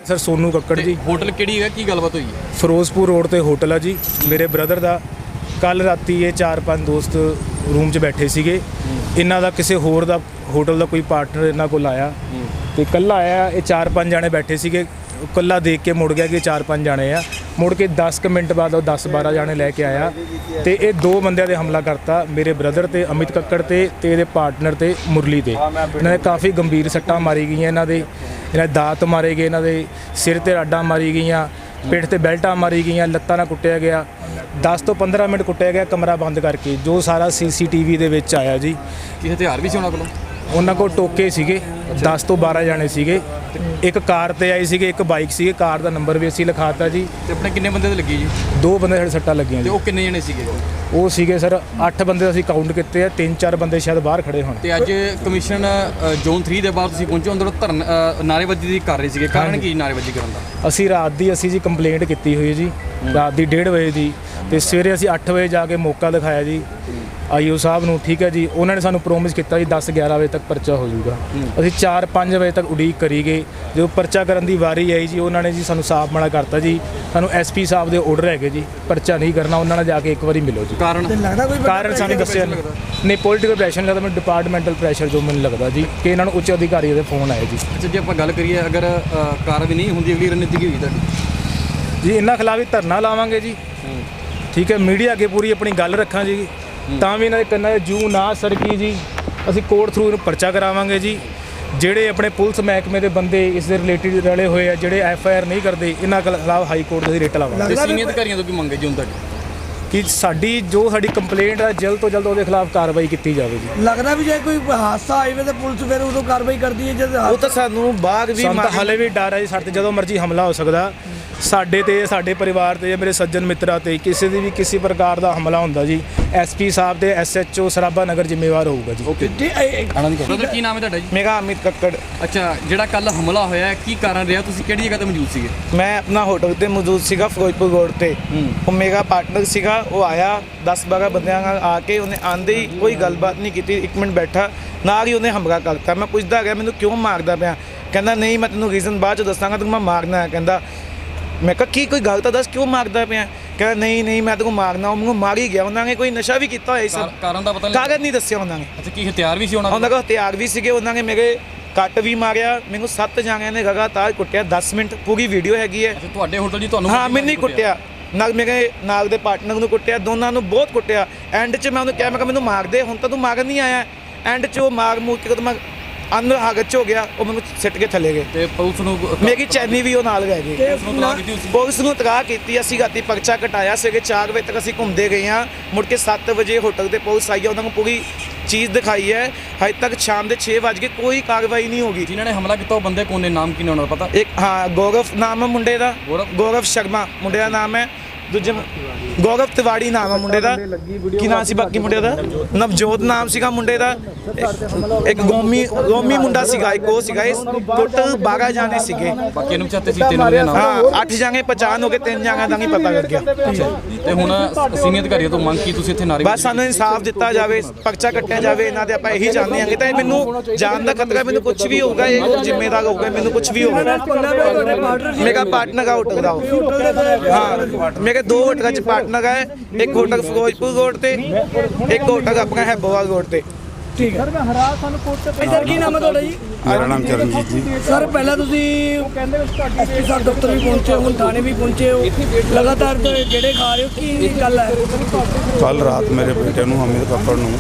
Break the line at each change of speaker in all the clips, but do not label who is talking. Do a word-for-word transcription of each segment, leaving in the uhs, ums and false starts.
Sir Sonu Kakkar ji.
Hotel किहड़ी है की गलबात हुई है?
फिरोजपुर रोड ते होटल है जी मेरे ब्रदर दा। कल राती ये चार पांच दोस्त रूम च बैठे सीगे। इन्हां दा किसी होर दा होटल का कोई पार्टनर इन्हां कोल आया ते कल्ला आया। ये चार पांच जाने बैठे सीगे। कल्ला देख के मुड़ गया कि चार पांच जाने आ। मुड़ के दस क मिनट बाद दस बारह जाने लैके आया तो ये दो बंदियां ते हमला करता मेरे ब्रदर ते अमित कक्कड़ ते ते इहदे पार्टनर ते मुरली ते। इन्हां दे काफ़ी गंभीर सट्टां मारी गई। इन्हां दे इन्हां दे दात मारे गए। इन्हां दे सिर ते राडां मारी गई, पिठ ते बेल्टां मारी गई, लत्तां नाल कुੱਟਿਆ ਗਿਆ। दस तो पंद्रह मिनट कुੱਟਿਆ ਗਿਆ कमरा बंद करके। जो सारा सी सी टी वी दे विच आया जी।
ਕੀ ਹਥਿਆਰ ਵੀ ਸੀ ਉਹਨਾਂ ਕੋਲ?
ਉਹਨਾਂ ਕੋਲ ਟੋਕੇ ਸੀਗੇ। दस तो बारह जाने ਸੀਗੇ। एक कार ਤੇ ਆਈ ਸੀਗੇ, एक ਬਾਈਕ ਸੀਗੇ। ਕਾਰ ਦਾ ਨੰਬਰ ਵੀ ਅਸੀਂ ਲਿਖਾਤਾ ਜੀ।
ਤੇ ਆਪਣੇ ਕਿੰਨੇ ਬੰਦੇ ਤੇ ਲੱਗੀ ਜੀ?
ਦੋ ਬੰਦੇ ਸਾਡੇ ਸੱਟਾਂ ਲੱਗੀਆਂ
ਤੇ
ਜੀ।
ਉਹ ਕਿੰਨੇ ਜਣੇ ਸੀਗੇ?
ਉਹ ਸੀਗੇ ਸਰ ਅੱਠ ਬੰਦੇ ਅਸੀਂ ਕਾਊਂਟ ਕੀਤੇ ਆ। ਤਿੰਨ ਚਾਰ ਬੰਦੇ ਸ਼ਾਇਦ ਬਾਹਰ ਖੜੇ ਹੋਣ।
ਤੇ ਅੱਜ ਕਮਿਸ਼ਨ ਜ਼ੋਨ ਤਿੰਨ ਦੇ ਬਾਅਦ ਤੁਸੀਂ ਪਹੁੰਚੇ, ਅੰਦਰ ਧਰਨ ਨਾਰੇਬਾਜ਼ੀ ਦੀ ਕਰ ਰਹੇ ਸੀਗੇ। ਕਾਰਨ ਕੀ ਨਾਰੇਬਾਜ਼ੀ ਕਰਨ ਦਾ?
ਅਸੀਂ ਰਾਤ ਦੀ ਅਸੀਂ ਜੀ ਕੰਪਲੇਂਟ ਕੀਤੀ ਹੋਈ ਜੀ, ਰਾਤ ਦੀ ਡੇਢ ਵਜੇ ਦੀ। ਤੇ ਸਵੇਰੇ ਅਸੀਂ ਅੱਠ ਵਜੇ ਜਾ ਕੇ ਮੌਕਾ ਦਿਖਾਇਆ ਜੀ ਆਈਓ ਸਾਹਿਬ ਨੂੰ। ਠੀਕ ਹੈ ਜੀ। ਉਹਨਾਂ ਨੇ ਸਾਨੂੰ ਪ੍ਰੋਮਿਸ ਕੀਤਾ ਜੀ ਦਸ ਗਿਆਰਾਂ ਵਜੇ ਤੱਕ ਪਰਚਾ ਹੋ ਜਾਊਗਾ। ਅਸੀਂ ਚਾਰ ਪੰਜ ਵਜੇ ਤੱਕ ਉਡੀਕ ਕਰੀ ਗਏ। ਜਦੋਂ ਪਰਚਾ ਕਰਨ ਦੀ ਵਾਰੀ ਆਈ ਜੀ ਉਹਨਾਂ ਨੇ ਜੀ ਸਾਨੂੰ ਸਾਫ਼ ਮਨਾ ਕਰਤਾ ਜੀ ਸਾਨੂੰ ਐਸ ਪੀ ਸਾਹਿਬ ਦੇ ਆਰਡਰ ਹੈਗੇ ਜੀ ਪਰਚਾ ਨਹੀਂ ਕਰਨਾ। ਉਹਨਾਂ ਨਾਲ ਜਾ ਕੇ ਇੱਕ ਵਾਰੀ ਮਿਲੋ ਜੀ।
ਕਾਰਨ
ਕਾਰਨ ਸਾਨੂੰ ਦੱਸਿਆ ਨਹੀਂ। ਪੋਲੀਟੀਕਲ ਪ੍ਰੈਸ਼ਰ ਲੱਗਦਾ ਮੈਨੂੰ, ਡਿਪਾਰਟਮੈਂਟਲ ਪ੍ਰੈਸ਼ਰ ਜੋ ਮੈਨੂੰ ਲੱਗਦਾ ਜੀ ਕਿ ਇਹਨਾਂ ਨੂੰ ਉੱਚ ਅਧਿਕਾਰੀ ਦੇ ਫੋਨ ਆਏ ਜੀ।
ਅੱਛਾ, ਜੇ ਆਪਾਂ ਗੱਲ ਕਰੀਏ ਅਗਰ ਕਾਰਵਾਈ ਨਹੀਂ ਹੁੰਦੀ ਅਗਲੀ ਰਣਨੀਤੀ ਕੀ ਹੋਈ ਤੁਹਾਡੀ?
ਜੀ ਇਹਨਾਂ ਖਿਲਾਫ ਹੀ ਧਰਨਾ ਲਾਵਾਂਗੇ ਜੀ। ਠੀਕ ਹੈ, ਮੀਡੀਆ ਅੱਗੇ ਪੂਰੀ ਆਪਣੀ ਗੱਲ ਰੱਖਾਂ ਜੀ। ਤਾਂ ਵੀ ਇਹਨਾਂ ਦੇ ਕੰਨਾਂ 'ਚ ਜੂ ਨਾ ਸਰਕੀ ਜੀ ਅਸੀਂ ਕੋਰਟ ਥਰੂ ਇਹਨੂੰ ਪਰਚਾ ਕਰਾਵਾਂਗੇ ਜੀ। ਜਿਹੜੇ ਆਪਣੇ ਪੁਲਿਸ ਮਹਿਕਮੇ ਦੇ ਬੰਦੇ ਇਸ ਦੇ ਰਿਲੇਟਿਡ ਰਲੇ ਹੋਏ ਆ, ਜਿਹੜੇ ਐਫ ਆਈ ਆਰ ਨਹੀਂ ਕਰਦੇ, ਇਹਨਾਂ ਖਿਲਾਫ ਹਾਈ ਕੋਰਟ ਦੇ ਰਿਟ ਲਾਵਾਂਗੇ।
ਤੇ ਸੀਨੀਅਰ ਅਧਿਕਾਰੀਆਂ ਤੋਂ ਕੀ ਮੰਗੇ ਜੀ ਹੁਣ ਤੱਕ?
ਕਿ ਸਾਡੀ ਜੋ ਸਾਡੀ ਕੰਪਲੇਂਟ ਹੈ ਜਲਦ ਤੋਂ ਜਲਦ ਉਹਦੇ ਖਿਲਾਫ ਕਾਰਵਾਈ ਕੀਤੀ ਜਾਵੇ ਜੀ।
ਲੱਗਦਾ ਵੀ ਜੇ ਕੋਈ ਹਾਦਸਾ ਆਵੇ ਤਾਂ ਪੁਲਿਸ ਫਿਰ ਉਦੋਂ ਕਾਰਵਾਈ ਕਰਦੀ ਹੈ। ਜਦ
ਉਹ ਤਾਂ ਸਾਨੂੰ ਬਾਅਦ ਵੀ ਹਾਲੇ ਵੀ ਡਰ ਹੈ ਜੀ। ਸਾਡੇ ਜਦੋਂ ਮਰਜ਼ੀ ਹਮਲਾ ਹੋ ਸਕਦਾ ਸਾਡੇ ਤੇ, ਸਾਡੇ ਪਰਿਵਾਰ ਤੇ, ਮੇਰੇ ਸੱਜਣ ਮਿੱਤਰਾਂ ਤੇ ਕਿਸੇ ਦੀ ਵੀ ਕਿਸੇ ਪ੍ਰਕਾਰ ਦਾ ਹਮਲਾ ਹੁੰਦਾ ਜੀ ਐਸ ਪੀ ਸਾਹਿਬ ਦੇ S H O Sarabha Nagar ਜ਼ਿੰਮੇਵਾਰ ਹੋਊਗਾ ਜੀ।
ਓਕੇ, ਬ੍ਰਦਰ ਕੀ ਨਾਮ ਹੈ ਤੁਹਾਡਾ ਜੀ?
मेरा अमित कक्कड़।
ਅੱਛਾ, ਜਿਹੜਾ ਕੱਲ ਹਮਲਾ ਹੋਇਆ ਕੀ ਕਾਰਨ ਰਿਹਾ? ਤੁਸੀਂ ਕਿਹੜੀ ਜਗ੍ਹਾ ਤੇ ਮੌਜੂਦ ਸੀਗੇ?
मैं अपना होटल ते मौजूद सीगा फिरोजपुर रोड ते। वो मेरा पार्टनर सीगा, वो आया दस बारह बंदियां नाल आके उन्हें आंदे ही कोई गलबात नहीं की। एक मिनट बैठा नाल ही उन्हें हमला करता। मैं पुछदा गया मैनू क्यों मारदा पिया? कहंदा नहीं मैं तैनूं रीजन बाद च दसांगा, तैनूं मैं मारना है। कहंदा मैं कहा की कोई गल तो दस क्यों मारदा पिया? कहंदा नहीं नहीं मैं तेरे को मारना। वो मार ही गया। उन्होंने कोई नशा भी किया होया सब
ਕਾਰਨ ਦਾ ਪਤਾ ਨਹੀਂ?
कागज नहीं दस्सिया उन्होंने।
ਅੱਛਾ, ਕੀ ਹਥਿਆਰ ਵੀ ਸੀ ਉਹਨਾਂ
ਉਹਨਾਂ ਕੋਲ ਹਥਿਆਰ ਵੀ ਸੀਗੇ। ਉਹਨਾਂ ਨੇ ਮੇਰੇ ਕੱਟ ਵੀ ਮਾਰਿਆ। ਮੈਨੂੰ ਸੱਤ ਜਾਣਿਆਂ ਨੇ ਲਗਾਤਾਰ ਕੁੱਟਿਆ ਦਸ ਮਿੰਟ। ਪੂਰੀ ਵੀਡੀਓ ਹੈਗੀ ਹੈ।
ਅੱਛਾ, ਤੁਹਾਡੇ ਹੋਟਲ ਜੀ ਤੁਹਾਨੂੰ?
ਹਾਂ, ਮੈਨੂੰ ਹੀ ਕੁੱਟਿਆ ਨਾਲ ਮੇਰੇ ਨਾਲ ਦੇ ਪਾਰਟਨਰ ਨੂੰ ਕੁੱਟਿਆ। ਦੋਨਾਂ ਨੂੰ ਬਹੁਤ ਕੁੱਟਿਆ। ਐਂਡ 'ਚ ਮੈਂ ਉਹਨੂੰ ਕਿਹਾ ਮੈਂ ਕਿਹਾ ਮੈਨੂੰ ਮਾਰ ਦੇ, ਹੁਣ ਤਾਂ ਤੂੰ ਮਾਰਨ ਨਹੀਂ ਆਇਆ। ਐਂਡ 'ਚ ਉਹ ਮਾਰ ਮੂਰ ਕੇ ਜਦੋਂ ਮੈਂ ਅੰਦਰ ਹਾਗਤ 'ਚ ਹੋ ਗਿਆ ਉਹ ਮੈਨੂੰ ਸਿੱਟ ਕੇ ਥੱਲੇ ਗਏ।
ਤੇ ਪੁਲਿਸ ਨੂੰ
ਮੇਰੀ ਚੈਨੀ ਵੀ ਉਹ ਨਾਲ ਗਏ ਗਏ।
ਪੁਲਿਸ ਨੂੰ ਤਲਾਕ ਕੀਤੀ ਉਸ?
ਪੁਲਿਸ ਨੂੰ ਤਲਾਕ ਕੀਤੀ। ਅਸੀਂ ਰਾਤੀ ਪਰਚਾ ਕਟਾਇਆ। ਸਵੇਰੇ ਚਾਰ ਵਜੇ ਤੱਕ ਅਸੀਂ ਘੁੰਮਦੇ ਗਏ ਹਾਂ। ਮੁੜ ਕੇ ਸੱਤ ਵਜੇ ਹੋਟਲ ਤੇ ਪੁਲਿਸ ਆਈ ਹੈ। ਉਹਨਾਂ ਨੂੰ ਪੂਰੀ ਚੀਜ਼ ਦਿਖਾਈ ਹੈ। ਹਜੇ ਤੱਕ ਸ਼ਾਮ ਦੇ ਛੇ ਵੱਜ ਕੇ ਕੋਈ ਕਾਰਵਾਈ ਨਹੀਂ ਹੋਗੀ।
ਜਿਨ੍ਹਾਂ ਨੇ ਹਮਲਾ ਕੀਤਾ ਉਹ ਬੰਦੇ ਕੌਣ ਨੇ? ਨਾਮ ਕੀ ਨੇ ਉਹਨਾਂ ਦਾ ਪਤਾ?
ਇੱਕ ਹਾਂ ਗੌਰਵ ਨਾਮ ਹੈ ਮੁੰਡੇ ਦਾ।
ਗੌਰਵ?
ਗੌਰਵ ਸ਼ਰਮਾ ਮੁੰਡੇ ਦਾ ਨਾਮ ਹੈ। ਦੂਜੇ ਗੌਰਵ ਤਿਵਾੜੀ ਨਾਮ ਹੈ ਮੁੰਡੇ ਦਾ। ਕੀ ਨਾਮ ਸੀ ਬਾਕੀ ਮੁੰਡੇ ਦਾ? ਨਵਜੋਤ ਨਾਮ ਸੀਗਾ ਮੁੰਡੇ ਦਾ। ਇੱਕ ਗੋਮੀ ਗੋਮੀ ਮੁੰਡਾ ਸੀਗਾ। ਇੱਕ ਉਹ ਸੀਗਾ। ਇਸ ਟੋਟਲ ਬਾਰ੍ਹਾਂ ਜਾਣੇ ਸੀਗੇ।
ਬਾਕੀ ਨੂੰ ਚਾਹਤੇ ਸੀ ਤਿੰਨ ਦੇ ਨਾਮ?
ਹਾਂ, ਅੱਠ ਜਾਣੇ ਪਛਾਣ ਹੋ ਗਏ। ਤਿੰਨ ਜਾਣਿਆਂ ਦਾ ਨਹੀਂ ਪਤਾ ਲੱਗਿਆ।
ਤੇ ਹੁਣ ਸੀਨੀਅਰ ਅਧਿਕਾਰੀਆਂ ਤੋਂ ਮੰਗ ਕੀ ਤੁਸੀਂ ਇੱਥੇ ਨਾਰੇ?
ਬਸ ਸਾਨੂੰ ਇਨਸਾਫ ਦਿੱਤਾ ਜਾਵੇ, ਪਰਚਾ ਕੱਟਿਆ ਜਾਵੇ ਇਹਨਾਂ ਦੇ। ਆਪਾਂ ਇਹੀ ਚਾਹੁੰਦੇ ਹਾਂ ਕਿ ਤਾਂ ਮੈਨੂੰ ਜਾਨ ਦਾ ਖਤਰਾ। ਮੈਨੂੰ ਕੁਝ ਵੀ ਹੋਊਗਾ ਇਹ ਜ਼ਿੰਮੇਵਾਰ ਹੋਊਗਾ। ਮੈਨੂੰ ਕੁਝ ਵੀ ਹੋਊਗਾ। ਮੇਰਾ ਪਾਰਟਨਰ ਦਾ ਹੋਟਲ ਦਾ ਹਾਂ, ਮੇਰੇ ਦੋ ਹੋਟਲਾਂ 'ਚ ਪਾਰਟਨਰ ਹੈ। ਇੱਕ ਹੋਟਲ ਫਿਰੋਜ਼ਪੁਰ ਰੋਡ ਤੇ, ਇੱਕ ਹੋਟਲ ਆਪਣਾ ਹੈਬੋਵਾਲ ਰੋਡ ਤੇ।
ਠੀਕ ਹੈ ਸਰ, ਕੀ ਨਾਮ ਹੈ ਤੁਹਾਡਾ ਜੀ?
ਮੇਰਾ ਨਾਮ ਚਰਨਜੀਤ ਜੀ।
ਸਰ ਪਹਿਲਾਂ ਤੁਸੀਂ ਐਸ ਪੀ ਸਾਹਿਬ ਦਫ਼ਤਰ ਵੀ ਪਹੁੰਚੇ ਹੋ, ਹੁਣ ਥਾਣੇ ਵੀ ਪਹੁੰਚੇ ਹੋ, ਲਗਾਤਾਰ ਜਿਹੜੇ ਖਾ ਰਹੇ ਹੋ, ਕੀ ਗੱਲ ਹੈ?
ਕੱਲ ਰਾਤ ਮੇਰੇ ਬੇਟੇ ਨੂੰ ਅਮਿਤ ਕੱਕੜ ਨੂੰ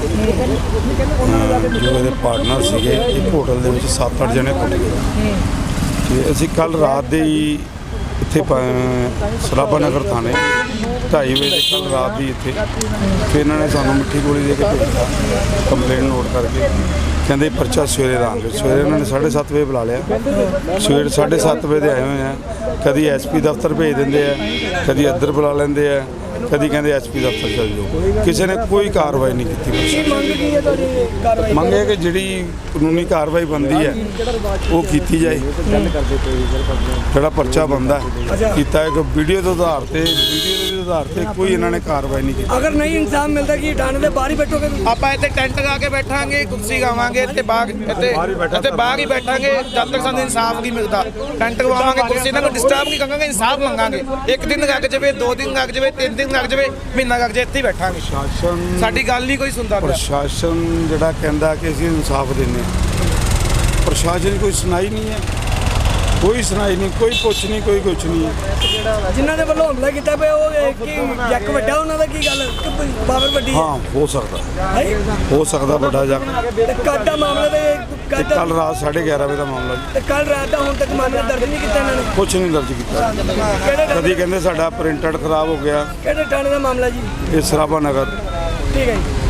ਅਹ, ਜੋ ਇਹਦੇ ਪਾਰਟਨਰ ਸੀਗੇ ਇੱਕ ਹੋਟਲ ਦੇ ਵਿੱਚ ਸੱਤ ਅੱਠ ਜਣੇ ਕੁੱਟ ਗਏ। ਤੇ ਅਸੀਂ ਕੱਲ ਰਾਤ ਦੇ ਹੀ ਇੱਥੇ ਸਰਾਭਾ ਨਗਰ ਥਾਣੇ ਢਾਈ ਵਜੇ ਕੱਲ ਰਾਤ ਦੀ ਇੱਥੇ ਫਿਰ ਇਹਨਾਂ ਨੇ ਸਾਨੂੰ ਮਿੱਠੀ ਗੋਲੀ ਦੇ ਕੇ ਭੇਜਿਆ ਕੰਪਲੇਂਟ ਨੋਟ ਕਰਕੇ। ਕਹਿੰਦੇ ਪਰਚਾ ਸਵੇਰੇ ਦਾਂਗੇ। ਸਵੇਰੇ ਇਹਨਾਂ ਨੇ ਸਾਢੇ ਸੱਤ ਵਜੇ ਬੁਲਾ ਲਿਆ। ਸਵੇਰੇ ਸਾਢੇ ਸੱਤ ਵਜੇ ਦੇ ਆਏ ਹੋਏ ਆ। ਕਦੀ ਐਸ ਪੀ ਦਫ਼ਤਰ ਭੇਜ ਦਿੰਦੇ ਆ, ਕਦੀ ਇੱਧਰ ਬੁਲਾ ਲੈਂਦੇ ਆ, ਕਦੀ ਕਹਿੰਦੇ ਐਸਪੀ ਦਫ਼ਤਰ ਚਲ ਜਾਓ, ਕਿਸੇ ਨੇ ਕੋਈ ਕਾਰਵਾਈ ਨਹੀਂ ਕੀਤੀ।
ਕੀ ਮੰਗ ਕੀ ਹੈ ਤੁਹਾਡੀ ਕਾਰਵਾਈ?
ਮੰਗ ਹੈ ਕਿ ਜਿਹੜੀ ਕਾਨੂੰਨੀ ਕਾਰਵਾਈ ਬਣਦੀ ਹੈ ਉਹ ਕੀਤੀ ਜਾਏ। ਜਿਹੜਾ ਪਰਚਾ ਬਣਦਾ ਕੀਤਾ ਹੈ ਕਿ ਵੀਡੀਓ ਦੇ ਆਧਾਰ ਤੇ ਵੀਡੀਓ ਦੇ ਆਧਾਰ ਤੇ ਕੋਈ ਇਹਨਾਂ ਨੇ ਕਾਰਵਾਈ ਨਹੀਂ ਕੀਤੀ।
ਅਗਰ ਨਹੀਂ ਇਨਸਾਫ ਮਿਲਦਾ ਕਿ ਥਾਣੇ ਦੇ ਬਾਹਰ ਹੀ ਬੈਠੋਗੇ ਤੁਸੀਂ?
ਆਪਾਂ ਇੱਥੇ ਟੈਂਟ ਲਾ ਕੇ ਬੈਠਾਂਗੇ, ਕੁਰਸੀ ਗਾਵਾਂਗੇ, ਇੱਥੇ ਬਾਗ ਇੱਥੇ ਇੱਥੇ ਬਾਗ ਹੀ ਬੈਠਾਂਗੇ ਜਦ ਤੱਕ ਸਾਨੂੰ ਇਨਸਾਫ ਨਹੀਂ ਮਿਲਦਾ। ਟੈਂਟ ਲਵਾਵਾਂਗੇ, ਕੁਰਸੀ ਨਾਲ ਕੋਈ ਡਿਸਟਰਬ ਨਹੀਂ ਕਰਾਂਗੇ, ਇਨਸਾਫ ਮੰਗਾਂਗੇ। ਇੱਕ ਦਿਨ ਲੱਗ ਜਾਵੇ, ਦੋ ਦਿਨ ਲੱਗ ਜਾਵੇ, ਤਿੰਨ ਦਿਨ ਲੱਗ ਜਾਵੇ, ਮਹੀਨਾ ਲੱਗ ਜਾਵੇ, ਇੱਥੇ ਹੀ ਬੈਠਾਂਗੇ।
ਪ੍ਰਸ਼ਾਸਨ
ਸਾਡੀ ਗੱਲ ਨਹੀਂ ਕੋਈ ਸੁਣਦਾ ਪਿਆ।
ਪ੍ਰਸ਼ਾਸਨ ਜਿਹੜਾ ਕਹਿੰਦਾ ਕਿ ਅਸੀਂ ਇਨਸਾਫ ਦਿੰਦੇ ਹਾਂ, ਪ੍ਰਸ਼ਾਸਨ ਦੀ ਕੋਈ ਸੁਣਾਈ ਨਹੀਂ ਹੈ, ਕੋਈ ਸੁਣਾਈ ਨਹੀਂ, ਕੋਈ ਕੁਛ ਨਹੀਂ, ਕੋਈ ਕੁਛ ਨਹੀਂ ਹੈ।
ਜਿਨ੍ਹਾਂ ਦੇ ਵੱਲੋਂ ਹਮਲਾ ਕੀਤਾ ਪਿਆ ਉਹ ਕੀ ਜੱਕ ਵੱਡਾ ਉਹਨਾਂ ਦਾ ਕੀ ਗੱਲ ਪਾਵਰ ਵੱਡੀ
ਹਾਂ ਹੋ ਸਕਦਾ,
ਹੈ?
ਹੋ ਸਕਦਾ ਵੱਡਾ ਜੱਗ।
ਤੇ ਕੱਲ੍ਹ ਦਾ ਮਾਮਲਾ ਤੇ ਕੱਲ੍ਹ ਦਾ-
ਕੱਲ ਰਾਤ ਸਾਢੇ ਗਿਆਰਾਂ ਵਜੇ ਦਾ ਮਾਮਲਾ ਜੀ,
ਤੇ ਕੱਲ੍ਹ ਰਾਤ ਦਾ ਹੁਣ ਤੱਕ ਮਾਮਲਾ ਦਰਜ ਨਹੀਂ ਕੀਤਾ ਇਹਨਾਂ ਨੇ?
ਕੁਛ ਨਹੀਂ ਦਰਜ ਕੀਤਾ।
ਕਿਹੜੇ ਥਾਣੇ-
ਕਦੀ ਕਹਿੰਦੇ ਸਾਡਾ ਪ੍ਰਿੰਟਰ ਖਰਾਬ ਹੋ ਗਿਆ,
ਕਿਹੜੇ ਥਾਣੇ ਦਾ ਮਾਮਲਾ ਜੀ?
ਇਹ ਸਰਾਭਾ ਨਗਰ।
ਠੀਕ ਹੈ ਜੀ।